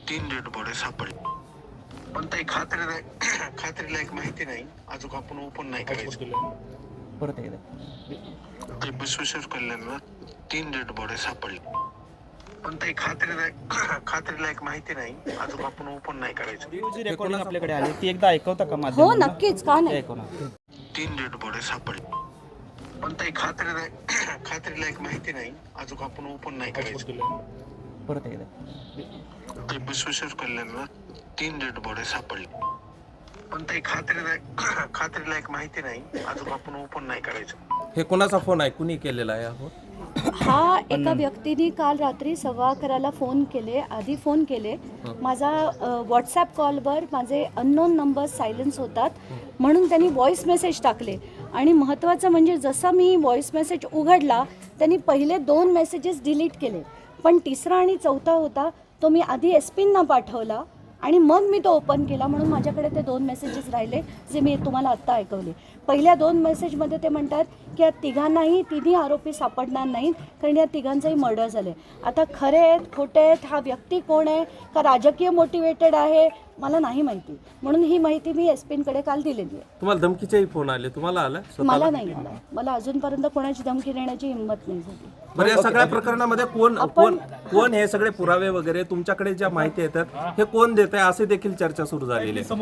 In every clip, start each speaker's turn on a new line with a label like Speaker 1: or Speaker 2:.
Speaker 1: 3 dead body सापडली, पण काही खात्रीलायक माहिती नाही. अजून आपण ओपन नाही करायचं.
Speaker 2: परत एकदा
Speaker 1: ते बसवेश्वर कल्याणला 3 डेड बॉडी सापडली, पण काही खात्रीलायक माहिती नाही. अजून आपण ओपन नाही करायचं.
Speaker 2: जी रेकॉर्डिंग आपल्याकडे आली ती एकदा ऐकवता का
Speaker 3: हो
Speaker 2: माध्यमांना?
Speaker 3: नक्कीच, का नाही.
Speaker 2: ऐकवणार.
Speaker 1: 3 डेड बॉडी सापडली, पण काही खात्रीलायक माहिती नाही. अजून आपण ओपन नाही करायचं.
Speaker 2: परत एकदा
Speaker 1: ते बसवेश्वर कल्याणला 3 डेड बॉडी सापडली, पण काही खात्रीलायक माहिती नाही. अजून आपण ओपन नाही करायचं.
Speaker 4: हे कोणाचा फोन आहे, कुणी केलेला आहे हो?
Speaker 3: हा एका व्यक्तीने काल रात्री 11:15 फोन केले, आधी फोन केले. माझा व्हॉट्सॲप कॉलवर माझे अननोन नंबर्स सायलेन्स होतात म्हणून त्यांनी व्हॉइस मेसेज टाकले. आणि महत्त्वाचं म्हणजे जसा मी व्हॉइस मेसेज उघडला त्यांनी पहिले 2 मेसेजेस डिलीट केले, पण तिसरा आणि चौथा होता तो मी आधी एसपींना पाठवला आणि मग मी तो ओपन केला. म्हणून माझ्याकडे ते 2 मेसेजेस राहिले जे मी तुम्हाला आत्ता ऐकवले. पहिल्या 2 मेसेजमध्ये ते म्हणतात की या तिन्ही आरोपी सापडणार नाहीत कारण या तिघांचंही मर्डर झाले. आता खरे आहेत खोटे आहेत, हा व्यक्ती कोण आहे का राजकीय मोटिवेटेड आहे मला नाही माहिती. म्हणून ही माहिती मी एसपींकडे काल दिलेली आहे.
Speaker 4: तुम्हाला धमकीचेही फोन आले, तुम्हाला आला?
Speaker 3: मला नाही आला. मला अजूनपर्यंत कोणाची धमकी देण्याची हिंमत नाही झाली.
Speaker 4: बरं, या सगळ्या प्रकरणामध्ये कोण हे सगळे पुरावे वगैरे तुमच्याकडे ज्या माहिती येतात हे कोण देत आहे असे देखील चर्चा सुरू झालेली आहे.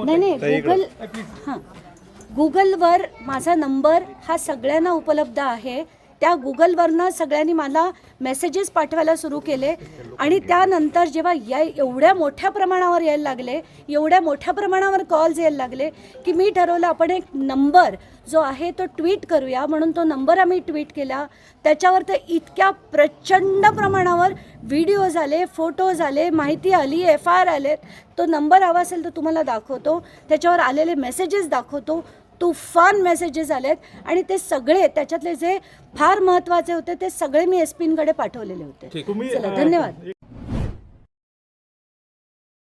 Speaker 3: नाही गुगलवर माझा नंबर हा सगळ्यांना उपलब्ध आहे. त्या गुगलवरनं सगळ्यांनी मला मेसेजेस पाठवायला सुरू केले आणि त्यानंतर जेव्हा एवढ्या मोठ्या प्रमाणावर यायला लागले, एवढ्या मोठ्या प्रमाणावर कॉल्स यायला लागले की मी ठरवलं आपण एक नंबर जो आहे तो ट्विट करूया. म्हणून तो नंबर आम्ही ट्विट केला. त्याच्यावर तर इतक्या प्रचंड प्रमाणावर व्हिडिओज आले, फोटोज आले, माहिती आली, FIR आले. तो नंबर हवा असेल तर तुम्हाला दाखवतो, त्याच्यावर आलेले मेसेजेस दाखवतो. तुफान मेसेजेस आलेत आणि ते सगळे त्याच्यातले जे फार महत्त्वाचे होते ते सगळे मी एसपींकडे पाठवलेले होते. चला, धन्यवाद.